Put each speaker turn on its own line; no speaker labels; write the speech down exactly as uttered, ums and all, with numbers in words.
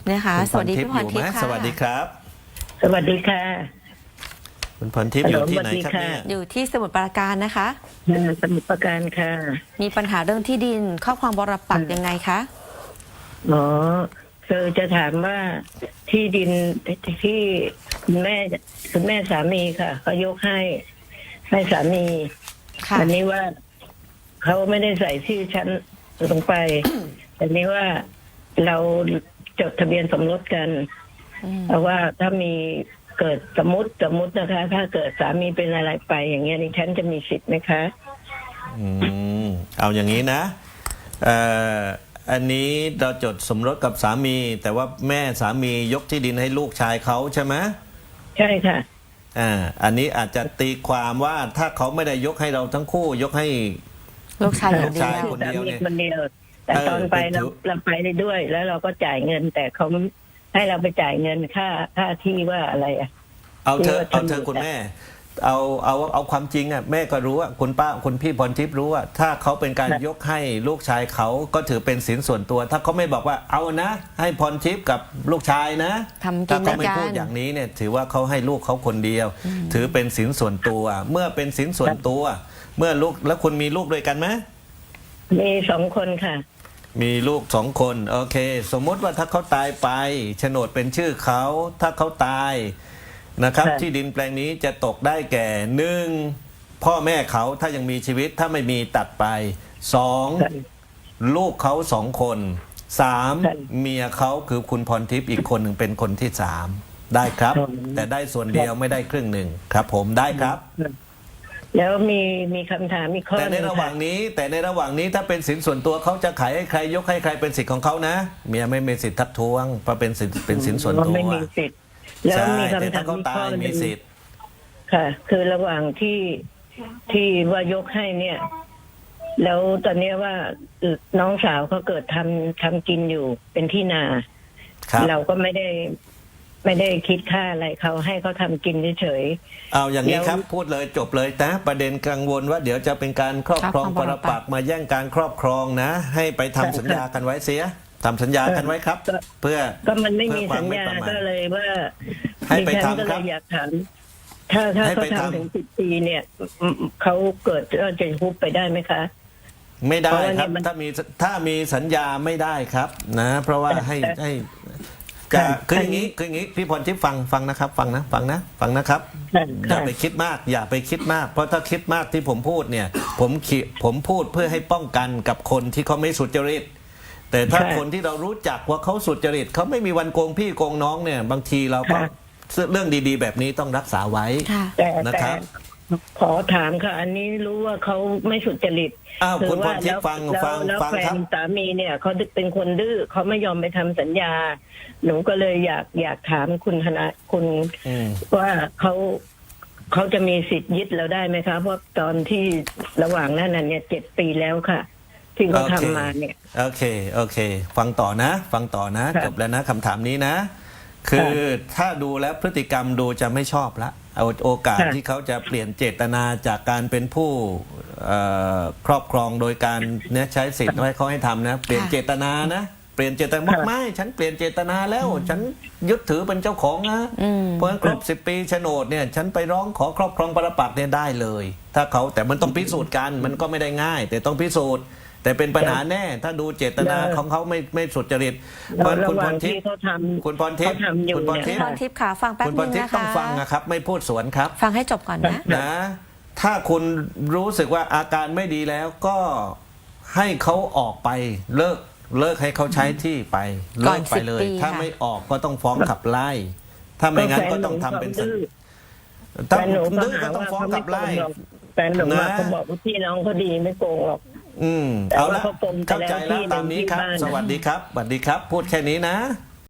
นะคะสวัสดีพี่พรทิพย์ค่ะ
สวัสดีครับ
สวัสดีค่ะ
คุณพรทิพย์อยู่ที่ไหนครับเนี่ย
อยู่ที่สมุทรปราการนะคะ
สมุทรปราการค่ะ
มีปัญหาเรื่องที่ดินครอบครองปรปักษ์ยังไงคะ
อ๋อคือจะถามว่าที่ดินที่คุณแม่คุณแม่สามีค่ะเขายกให้ให้สามีอันนี้ว่าเขาไม่ได้ใส่ชื่อฉันลงไปแต่นี้ว่าเราจดทะเบียนสมรสกันเพราะว่าถ้ามีเกิดสมมติสมมตินะคะถ้าเกิดสามีเป็นอะไรไปอย่างเงี้ยดิฉันจะมีสิทธิ์ไหมคะ
อืมเอาอย่างนี้นะเอ่ออันนี้เราจดสมรสกับสามีแต่ว่าแม่สามียกที่ดินให้ลูกชายเขาใช่ไหม
ใช่ค่ะ
อ่าอันนี้อาจจะตีความว่าถ้าเขาไม่ได้ยกให้เราทั้งคู่ยกให้
ลูกชาย
ลูกชายคนเดียวเนี่ย
คนเดียวแต่ตอนไปเราเราไปได้ด้วยแล้วเราก็จ่ายเงินแต่เขาให้เราไปจ่ายเงินค่าค่าที่ว่าอะไรอ่ะ
เอาเธอเอาเธอคุณแม่เอาเอาเอาความจริงอ่ะแม่ก็รู้ว่าคุณป้าคุณพี่พรทิพย์รู้ว่าถ้าเขาเป็นการยกให้ลูกชายเขาก็ถือเป็นสินส่วนตัวถ้าเขาไม่บอกว่าเอานะให้พรทิพย์กับลูกชายนะถ้าเขาไม่พูดอย่างนี้เนี่ยถือว่าเขาให้ลูกเขาคนเดียวถือเป็นสินส่วนตัวเมื่อเป็นสินส่วนตัวเมื่อลูกแล้วคุณมีลูกด้วยกันไหม
มีสองคนค่ะ
มีลูกสองคนโอเคสมมติว่าถ้าเขาตายไปโฉนดเป็นชื่อเขาถ้าเขาตายนะครับที่ดินแปลงนี้จะตกได้แก่หนึ่งพ่อแม่เขาถ้ายังมีชีวิตถ้าไม่มีตัดไปสองลูกเขาสองคนสามเมียเขาคือคุณพรทิพย์อีกคนหนึ่งเป็นคนที่สามได้ครับแต่ได้ส่วนเดียวไม่ได้ครึ่งหนึ่งครับผมได้ครับ
แล้วมีมีคำถามมีข้อ
แต่ในระหว่างนี้แต่ในระหว่างนี้ถ้าเป็นสินส่วนตัวเขาจะขายให้ใครยกให้ใครเป็นสิทธิ์ของเขานะเมียไม่มีสิทธิ์ทักท้วงเพราะเป็นสิทธิ์เป็นสินส่วนตัว
ไม่มีสิทธิ์แล้วมีคำถาม
มีข้อหนึ่ง
ค่ะคือระหว่างที่ที่ว่ายกให้เนี่ยแล้วตอนนี้ว่าน้องสาวเขาเกิดทำทำกินอยู่เป็นที่นาเราก็ไม่ได้ไม่ได้คิดค่าอะไรเขาให้เขาทำกินเฉย
ๆเอาอย่างนี้ครับพูดเลยจบเลยนะประเด็นกังวลว่าเดี๋ยวจะเป็นการครอบครองปรปักษ์มาแย่งการครอบครองนะให้ไปทำสัญญากันไว้เสียทำสัญญากันไว้ครับเพื่อ
ก็มันไม่มีสัญญาก็เลยว่า
ให้ไปทำครับ
อยากถามถ้าถ้าเขาทำถึงสิบปีเนี่ยเขาเกิดจะฮุบไปได้ไหมคะ
ไม่ได้ครับถ้ามีถ้ามีสัญญาไม่ได้ครับนะเพราะว่าให้ให้คืออย่างนี้คืออย่างนี้พี่พรทิพย์ฟังฟังนะครับฟังนะฟังนะฟังนะครับอย่าไปคิดมากอย่าไปคิดมากเพราะถ้าคิดมากที่ผมพูดเนี่ยผมผมพูดเพื่อให้ป้องกันกับคนที่เขาไม่สุจริตแต่ถ้าคนที่เรารู้จักว่าเขาสุจริตเขาไม่มีวันโกงพี่โกงน้องเนี่ยบางทีเราก็เรื่องดีๆแบบนี้ต้องรักษาไว้นะครับ
ขอถามค่ะอันนี้รู้ว่าเขาไม่สุจริต
อ้าวคุณพรทิพย์ฟังฟังฟังครับ
สามีเนี่ยเขาเป็นคนดื้อเขาไม่ยอมไปทำสัญญาหนูก็เลยอยากอยากถามคุณธนาคุณว่าเขาเขาจะมีสิทธิ์ยึดเราได้ไหมคะเพราะตอนที่ระหว่างนั้นเนี่ยเจ็ดปีแล้วค่ะที่เขาทำมาเนี่ย
โอเคโอเคฟังต่อนะฟังต่อนะจบแล้วนะคำถามนี้นะคือถ้าดูแล้วพฤติกรรมดูจะไม่ชอบละเอาโอกาสที่เขาจะเปลี่ยนเจตนาจากการเป็นผู้ครอบครองโดยการเนี่ยใช้สิทธิ์ไว้เขาให้ทำนะเปลี่ยนเจตนานะเปลี่ยนเจตนาไม่ฉันเปลี่ยนเจตนาแล้วฉันยึดถือเป็นเจ้าของนะเพราะฉะนั้นครบสิบปีโฉนดเนี่ยฉันไปร้องขอครอบครองปรปักษ์เนี่ยได้เลยถ้าเขาแต่มันต้องพิสูจน์กันมันก็ไม่ได้ง่ายแต่ต้องพิสูจน์แต่เป็นปัญหาแน่ถ้าดูเจตนาของเขาไม่ไม่สุจริต
เพราะคุณพรทิพย์
คุณพรทิพย์
คุณพรทิพย์ค่ะฟังแป๊บนึงนะคะ
ต้องฟังนะครับไม่พูดสวนครับ
ฟังให้จบก่อนนะ
นะถ้าคุณรู้สึกว่าอาการไม่ดีแล้วก็ให้เขาออกไปเลิกเลิกให้เขาใช้ที่ไปเลิกไปเลยถ้าไม่ออกก็ต้องฟ้องขับไล่ถ้าไม่งั้นก็ต้องทำเป็นสัญ
ถ้าดื้อก็ต้องฟ้องขับไล่แต่หนูว่าเขาบอกว่าพี่น้องเขาดีไม่โกงหรอก
อืมเอาละเข้าใจแล้วตามนี้ครับสวัสดีครับสวัสดีครับพูดแค่นี้นะ